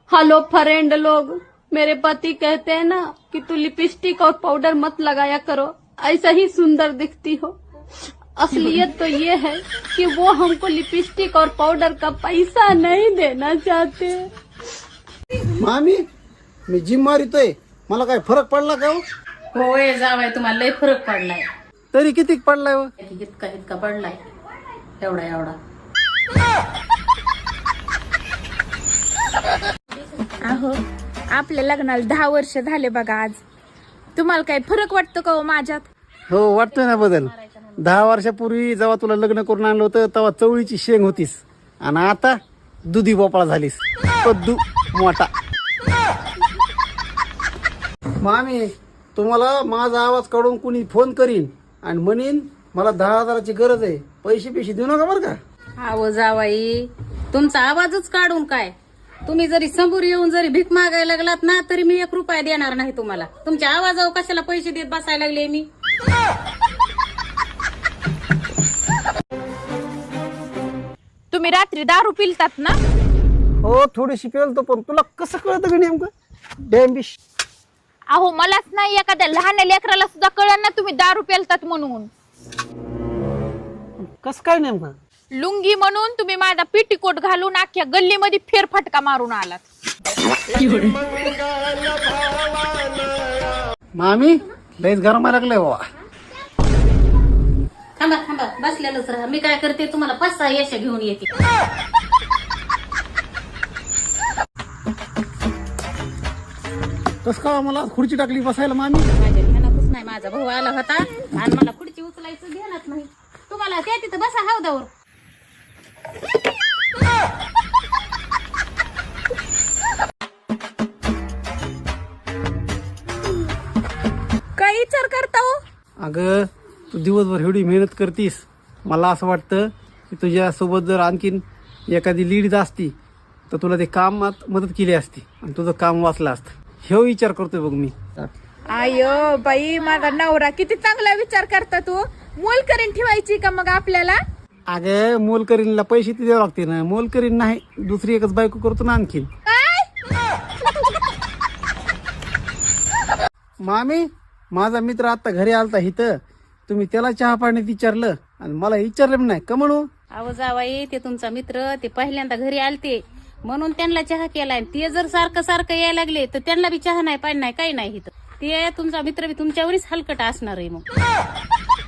Hello friend लोग, मेरे पति कहते हैं ना कि तू लिपस्टिक और पाउडर मत लगाया करो, ऐसा ही सुंदर दिखती हो। असलियत तो ये है कि वो हमको लिपस्टिक और पाउडर का पैसा नहीं देना चाहते। मामी, मी जिम मारितोय, मला काय फरक पडला का हो? होय जावाय, तुम्हाला लय फरक पडलाय. तरी किती पडलाय हो? इतका इतका पडलाय, एवढा एवढा. अहो, आपल्या लग्नाला 10 वर्ष झाले बघा आज. तुम्हाला काही फरक वाटतो का हो माझ्यात? हो, वाटतोय ना बदल. 10 वर्षापूर्वी जेव्हा तुला लग्न करून आणलं होतं तेव्हा चवळीची शेंग होतीस आणि आता दुधी भोपळा झालीस, पद्दू मोठा. मामी, तुम्हाला माझा आवाज काढून कुणी फोन करीन आणि म्हणीन मला 10,000ची गरज आहे, पैसे देऊ नका बरं का. अहो जावाई, तुमचा आवाजच काढून काय, तुम्ही जरी समोर येऊन जरी भीक मागायला लागलात ना तरी मी 1 रुपया देणार नाही तुम्हाला. तुमच्या आवाजावर कशाला पैसे देत बसायला लागले मी. तुम्ही रात्री दारू पिलतात ना? हो, थोडीशी पेलतो, पण तुला कसं कळतं का नेमकं? डॅम्बिश. अहो, मलाच नाही एखाद्या लहान लेकराला सुद्धा कळलं ना तुम्ही दारू पिलतात म्हणून. कसं काय नेमकं? लुंगी म्हणून तुम्ही माझा पेटीकोट घालून अख्ख्या गल्लीमध्ये फेरफटका मारून आलात. मामी, लयच गरमायला लागलंय बाबा. थांबा थांबा, बसलेलंच राहा. मी काय करते, तुम्हाला 5-6 यशा घेऊन येते. कसं का मला खुर्ची टाकली बसायला मामी? माझ्या ध्यानातच नाही, माझा भाऊ आला होता आणि मला खुर्ची उचलायचं ध्यानात नाही. तुम्हाला त्या तिथं बसा हौदावर. काय विचार करता हो? अगं, तू दिवसभर एवढी मेहनत करतीस, मला असं वाटतं की तुझ्या सोबत जर आणखीन एखादी लीड असती तर तुला ते कामात मदत केली असती आणि तुझं काम वाचलं असतं. हे विचार करतोय बघ मी. आयो बाई, माझा नवरा किती चांगला विचार करता तू. मोल करीन ठेवायची का मग आपल्याला? अगं, मोलकरीणला पैसे ते द्यावं लागते ना. मोलकरीण नाही, दुसरी एकच बायको करतो ना आणखीन. मामी, माझा मित्र आता घरी आलता इथं, तुम्ही त्याला चहा पाण्यात विचारलं आणि मला विचारलं पण नाही का म्हणू? अहो जावाई, ते तुमचा मित्र ते पहिल्यांदा घरी आलते म्हणून त्यांना चहा केलाय. ते जर सारखं सारखं यायला लागले तर त्यांना बी चहा नाही, पाणी नाही, काही नाही इथं. ते तुमचा मित्र बी तुमच्यावरच हलकट असणार आहे मग.